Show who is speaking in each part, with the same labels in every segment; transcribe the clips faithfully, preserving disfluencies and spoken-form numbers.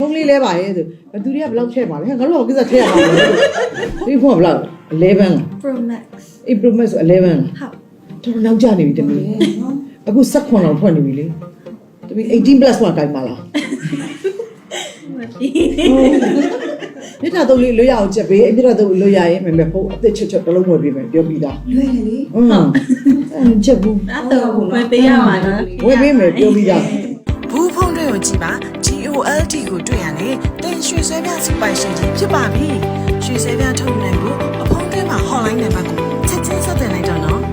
Speaker 1: ဖုန်းလေးလဲပါရဲ့ဆိုဘသူတွေကဘလောက်ထည့်ပါလဲငါတို့ကကိစ္စထည့်ရမှာလေဒီဖုန်းကဘလောက်elevenလား
Speaker 2: Pro Max
Speaker 1: အေး Pro Max ဆိုelevenလား
Speaker 2: ဟုတ်
Speaker 1: တော်နောက်ကျနေပြီတမီးအခုsevenလောက်ထွက်နေပြီလေတမီးeighteen plus မှာကိုင်ပါလားမြစ်တာတော့လေးလွတ်ရအောင်ချက်ပေးမြစ်တာတော့လွတ်ရရင်မမေဖုန်းအသက်ချွတ်ချွတ်တလုံးဝယ်ပေးမယ်ပြောပြီးသား
Speaker 3: လွယ်တယ်လေ
Speaker 1: ဟုတ်အဲ့ချက်ဘူး
Speaker 2: အဲ့တော့ဝယ်ပေးရမှာနော်
Speaker 1: ဝယ်ပေးမယ်ပြောပြီးသား
Speaker 4: ဘူးဖုန်းတွေကိုကြည့်ပါ G O L D ကိုတွေ့ရတယ်တင်ရွှေဆွဲပြစပိုင်ရှင်ကြီးဖြစ်ပါပြီရွှေဆွဲပြထုတ်နိုင်ဖို့အဖုန်းထဲမှာ hotline နံပါတ်ကိုချက်ချင်းဆက်သွယ်လိုက်တော့နော်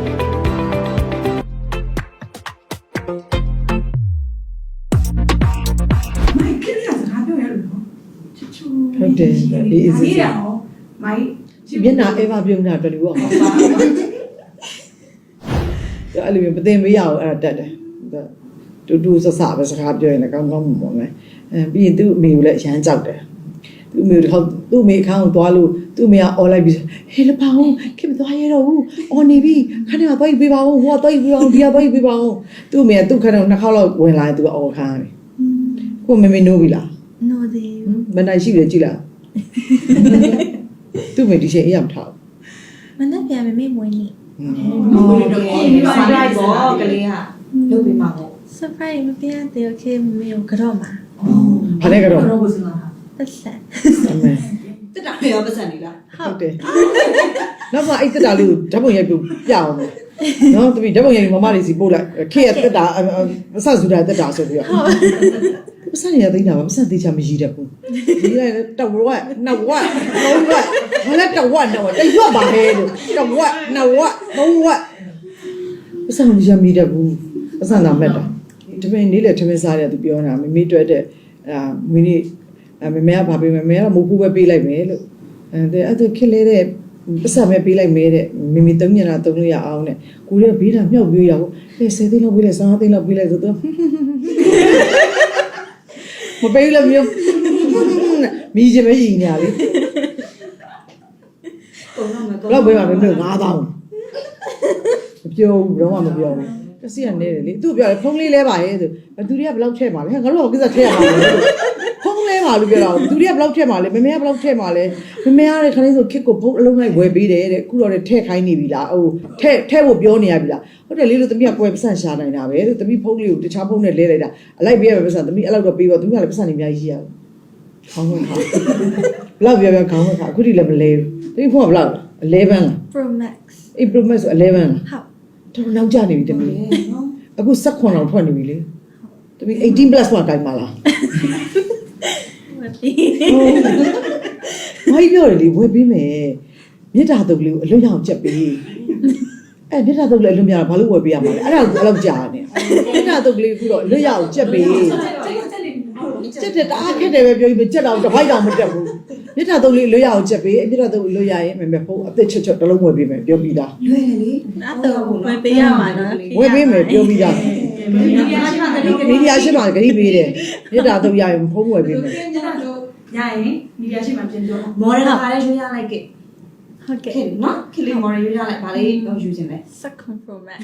Speaker 3: မိုက်ခရီးရစကားပြောရလို့နော်ချူချူ
Speaker 1: ဟုတ်တယ်ဒီ is
Speaker 3: ဒီရအောင်မိုက်
Speaker 1: မျက်နှာအဲပါပြုံးတာတော်လို့အောင်ပါအဲ့လိုမျိုးမသိမရအောင်အဲ့ဒါတက်တယ်တူတူဆဆပဲစကားပြောရင်လည်းကောင်းကောင်းမှမမယ်အဲပြီးရင်သူ့အမေကိုလည်းအရန်ကြောက်တယ်သူ့အမေတစ်ခါသူ့အမေအခန်းကိုသွားလို့သူ့အမေကអော်လိုက်ပြီးဟေးလပောင်းခင်မသွားရတော့ဘူးអော်နေပြီခဏကသွားပြီးပေးပါဦးဟိုကသွားပြီးပေးပါဦးဒီကသွားပြီးပေးပါဦးသူ့အမေကသူ့ခန်းကိုနှစ်ခေါက်လောက်ဝင်လာရင်သူကអော်ခန်းတယ်ကိုမေမေနိုးပြီလား
Speaker 2: နိုးသေးဘူး
Speaker 1: မနိုင်ရှိတယ်ကြည်လားသူ့အမေဒီချိန်အေးရမထား
Speaker 2: မနဲ့ပြန်မေမေမွေးနေ
Speaker 3: ဟောတော့ surprise ပေါ့ကလေးကလုပ်ပေးမှာပေါ့
Speaker 2: surprise မပြန်သေးโอเคမမေကိုကြော့မှာ
Speaker 1: ဘာလဲကတော့
Speaker 3: တော့ဘုစလား
Speaker 2: တက်ဆက်
Speaker 1: အမေ
Speaker 3: တက်တာရောပတ်စံနေလား
Speaker 1: ဟုတ်တယ်နောက်မှအဲ့တက်တာလေးကိုဓာတ်ပုံရိုက်ပြပြအောင်နော်တပည့်ဓာတ်ပုံရိုက်မမလေးစီပို့လိုက်ခေရတက်တာမဆဆူတာတက်တာဆိုပြီးတော့မဆရသိနေတာမဆသိချာမရည်တတ်ဘူးဒီလိုက်တဝက်နှစ်ဝက်သုံးဝက်ဘာလဲတဝက်တော့တရွက်ပါဟဲလို့တဝက်နှစ်ဝက်သုံးဝက်မဆမရမီတတ်ဘူးမဆနာမဲ့တာတပည့်နေ့လေထမင်းစားတယ်သူပြောတာမမေတွေ့တဲ့အာမင်းนี่မမေကဘာပေးမလဲမမေကမဟုတ်ဘူးပဲပေးလိုက်မယ်လို့အဲအဲ့ဒါခက်လေတဲ့ပတ်စံပဲပေးလိုက်မယ်တဲ့မမေသုံးညနာသုံးလို့ရအောင်တဲ့ကိုရဲ့ဘေးတာမြှောက်ပြေးရအောင်အဲဆယ်သိန်းလောက်ပေးလိုက်ဆယ်သိန်းလောက်ပေးလိုက်ဆိုတော့မပေးလို့မျိုးမီးချင်မရည်နေရလေတော့ပေးပါမယ်မျိုးnine thousandမပြောဘူးတော့မပြောဘူးတစီကနေတယ်လေသူ့ပြောတယ်ဖုန်းလေးလဲပါရဲ့ဆိုဘသူတွေကဘလောက်ထည့်ပါလဲငါတို့ကကိစ္စထည့်ရမှာလေဖုန်းလဲပါလို့ပြောတာဘသူတွေကဘလောက်ထည့်ပါလဲမမေကဘလောက်ထည့်ပါလဲမမေကလည်းခဏလေးဆိုခစ်ကိုဖုန်းအလုံးလိုက်ဝယ်ပေးတယ်တဲ့အခုတော့ထည့်ခိုင်းနေပြီလားဟိုထည့်ထည့်ဖို့ပြောနေရပြီလားဟုတ်တယ်လေလို့တမီးကပွဲပတ်စံရှာနိုင်တာပဲလို့တမီးဖုန်းလေးကိုတခြားဖုန်းနဲ့လဲလိုက်တာအလိုက်ပေးရပဲပတ်စံတမီးအဲ့လောက်တော့ပေးတော့တမီးကလည်းပတ်စံနေအများကြီးရခေါင်းဝင်ခါဘလောက်ပြောပြောခေါင်းဝင်ခါအခုထိလည်းမလဲဘူးတမီးဖုန်းကဘလောက်elevenလား
Speaker 2: Pro Max
Speaker 1: အေး Pro Max ဆိုelevenလား
Speaker 2: ဟုတ်
Speaker 1: တော်နောက်ကျနေပြီတမီးအခုsevenလောက်ထွက်နေပြီလေတမီးeighteen plus မှာကိုင်ပါလားမဟုတ်ပြောတယ်လေဝယ်ပေးမယ်မြစ်တာတုပ်လေးကိုအလွတ်ရအောင်ချက်ပေးအဲမြစ်တာတုပ်လေးအလွတ်များတာဘာလို့ဝယ်ပေးရမှာလဲအဲ့ဒါကိုအဲ့လောက်ကြာနေမြစ်တာတုပ်လေးခုတော့အလွတ်ရအောင်ချက်ပေးချက်တဲ့တအားခက်တယ်ပဲပြောပြီးချက်တော့တစ်ပိုက်တော့မတက်ဘူးမြစ်တာတုပ်လေးလွတ်ရအောင်ချက်ပေးမြစ်တာတုပ်လွတ်ရရင်မမေဖုန်းအသက်ချွတ်ချွတ်တလုံးဝယ်ပေးမယ်ပြောပြီးသား
Speaker 3: လွယ်တယ်လေ
Speaker 2: အဲ့တော့ဝယ်ပေးရမှာနော်
Speaker 1: ဝယ်ပေးမယ်ပြောပြီးသားမီဒီယာရှိမှဂရိပေးတယ်မြစ်တာတုပ်ရရင်ဖုန်းဝယ်ပေးမယ်
Speaker 3: ရရင်မီဒီယာရှိမှပြင်ပြောမော်ဒယ်ခါလေးရွေးရလိုက်ကဲ
Speaker 2: ဟုတ်ကဲ့
Speaker 3: နော်ခလီမော်ဒယ်ရွေးရလိုက်ဗာလေးတော့ယူခြင်းလဲ
Speaker 2: second Pro Max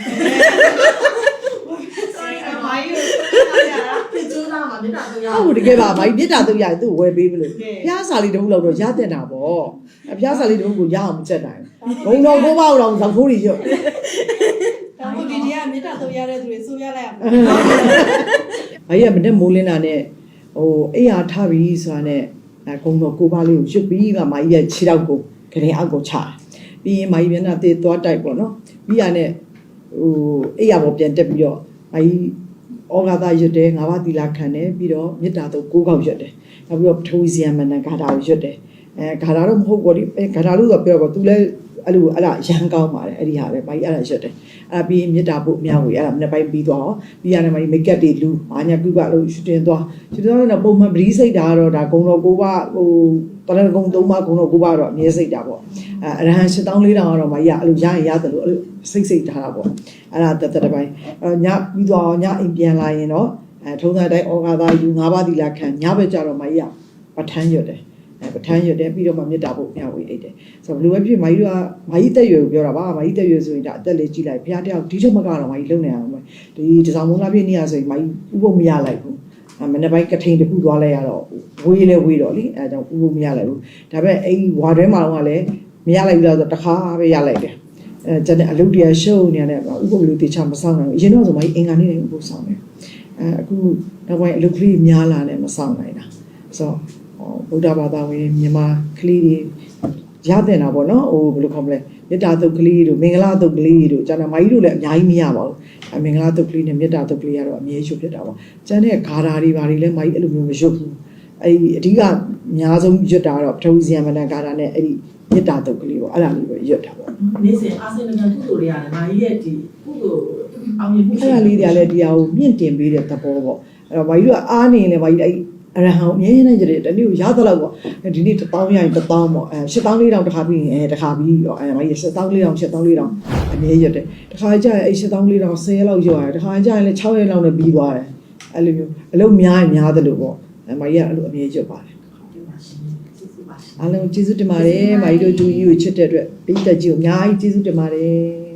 Speaker 3: sorry အမိုင်းရတာပြကျိုးလာမှာမြစ်တာတော့ရ
Speaker 1: ဟုတ်တကယ်ပါမိုင်းမြစ်တာတုပ်ရရင်သူ့ဝယ်ပေးမလို့ဖျားစာလေးတစ်ခုလောက်တော့ရတဲ့တာပေါ့အဖျားစာလေးတစ်ခုကိုရအောင်မချက်နိုင်ဘုံတော်ကိုပေါ့တော့ဇောက်ထိုးတွေရွတ်
Speaker 3: ဒါမှမဟုတ်ဒီဒီကမြစ်တာတော့ရတဲ့သူတွေစိုးရလိုက်ရမှာ
Speaker 1: မိုင်းရမနဲ့မိုးလင်းတာနဲ့ဟိုအိယာထားပြီးဆိုတာနဲ့အဲကုံတော်ကိုပါလေးကိုရွတ်ပြီးကမိုင်းရခြေတော့ကိုခရင်အောက်ကိုချပြီးရင်မိုင်းမျက်နှာသေးသွားတိုက်ပေါ့နော်ပြီးရနဲ့ဟိုအိယာပေါ်ပြန်တက်ပြီးတော့မိုင်းဩဃာသရွတ်တယ်ငါးပါးသီလခံတယ်ပြီးတော့မေတ္တာတော့ကိုးကောက်ရွတ်တယ်နောက်ပြီးတော့ပထဝီဇယမဏဂါထာကိုရွတ်တယ်အဲဂါထာတော့မဟုတ်ဘူးဒီဂါထာလို့ဆိုပြောတော့ तू လဲအဲ့လိုအဲ့ဒါရန်ကောင်းပါတယ်အဲ့ဒီဟာပဲမိုင်းအဲ့ဒါရွတ်တယ်အဲ့ပြီးမေတ္တာဖို့အများကြီးအဲ့ဒါမနေ့ပိုင်းပြီးသွားအောင်ပြီးရတယ်မိုင်းမိတ်ကပ်တွေလူဘာညာကုကလို့ရှူတင်သွားရှူတင်သွားတော့ပုံမှန်ပရိစိတ်တာကတော့ဒါဂုံတော်ကိုးပါဟိုတရဏဂုံသုံးပါဂုံတော်ကိုးပါတော့အမြဲစိတ်တာပေါ့အဲအရဟံရှစ်သောင်းလေးတောင်ကတော့မိုင်းရအဲ့လိုရရင်ရတယ်လို့အဲ့လိုစိတ်စိတ်ထားတာပေါ့အဲ့ဒါတက်တက်ပိုင်းအဲ့ညပြီးသွားညအိမ်ပြန်လာရင်တော့အဲထုံးစံတိုင်းဩဃာသယူငါးပါးသီလခံညဘက်ကျတော့မိုင်းရပဋ္ဌာန်းရွတ်တယ်အဲပဋ္ဌာန်းရွတ်တယ်ပြီးတော့မှမေတ္တာဖို့မျှဝေအိတ်တယ်ဆိုတော့ဘယ်လိုပဲဖြစ်မိုင်းတို့ကမိုင်းတက်ရွယ်ကိုပြောတာပါမိုင်းတက်ရွယ်ဆိုရင်ဒါအသက်လေးကြီးလိုက်ဘုရားတယောက်ဒီချက်မကတော့မိုင်းလုံနေအောင်ဒီတစောင်းမုံလာပြည့်နေရဆိုရင်မိုင်းဥပုပ်မရလိုက်ဘူးမနေ့ပိုင်းကထိန်တခုသွားလိုက်ရတော့ဝေးလဲဝေးတော့လေအဲဒါကြောင့်ဥဖို့မရလိုက်ဘူးဒါပေမဲ့အဲ့ဝါတွဲမှာတော့လည်းမရလိုက်ဘူးလားဆိုတော့တစ်ခါပဲရလိုက်တယ်အဲကျန်တဲ့အလုပ်တရားရှုပ်နေရတယ်ဥဖို့လူတေချာမဆောင်နိုင်ဘူးအရင်တော့ဆိုမှအင်္ဂါနေ့တိုင်းဥဖို့ဆောင်တယ်အဲအခုနောက်ပိုင်းအလုပ်ကလေးများလာတယ်မဆောင်နိုင်တာဆိုတော့ဗုဒ္ဓဘာသာဝင်မြန်မာကလေးတွေရတဲ့နာပေါ့နော်ဟိုဘယ်လိုခေါ်မလဲမေတ္တာတုတ်ကလေးတို့မင်္ဂလာတုတ်ကလေးတို့ကျန်တဲ့မိုင်းတို့လည်းအများကြီးမရပါဘူးအမင်္ဂလာတုတ်ကလေးနဲ့မေတ္တာတုတ်ကလေးကတော့အမြဲရှုပ်ဖြစ်တာပေါ့ကျန်တဲ့ဂါထာတွေဘာတွေလဲမိုင်းအဲ့လိုမျိုးမရှုပ်ဘူးအဲ့ဒီအဓိကအများဆုံးရွတ်တာတော့ပထဝီဇယမဏဂါထာနဲ့အဲ့ဒီမေတ္တာတုတ်ကလေးပေါ့အဲ့ဒါလေးပဲရွတ်တာပေါ့
Speaker 5: နေ့စဉ်အာဆီယံနိုင်ငံကုသိုလ်တွေရတယ်မာကြီးရဲ့ဒီကုသိုလ်အောင်မြင်မှု
Speaker 1: အဲ့ဒါလေးတွေကလည်းဒီဟာကိုမြင့်တင်ပေးတဲ့သဘောပေါ့အဲ့တော့မိုင်းတို့ကအားနေရင်လည်းမိုင်းအဲ့အရဟံအမြဲတမ်းကြတဲ့တနေ့ကိုရသလောက်ပေါ့ဒီနေ့တစ်ပေါင်းရရင်တစ်ပေါင်းပေါ့အဲရှစ်ပေါင်းလေးတောင်တစ်ခါပြီးရင်အဲတစ်ခါပြီးရောအဲမိုင်းရှစ်ပေါင်းလေးတောင်ရှစ်ပေါင်းလေးတောင်အမြဲရွတ်တယ်တစ်ခါကျရင်အဲရှစ်ပေါင်းလေးတောင်ဆယ်ရက်လောက်ရွတ်ရတယ်တစ်ခါကျရင်လည်းခြောက်ရက်လောက်နဲ့ပြီးသွားတယ်အဲ့လိုမျိုးအလုပ်များရင်များသလိုပေါ့အဲမိုင်းကအဲ့လိုအမြဲရွတ်ပါတယ်အားလုံးကျေးဇူးတင်ပါတယ်မိုင်းတို့တူကြီးကိုချစ်တဲ့အတွက်ပိတ်သက်ကြီးကိုအများကြီးကျေးဇူးတင်ပါတယ်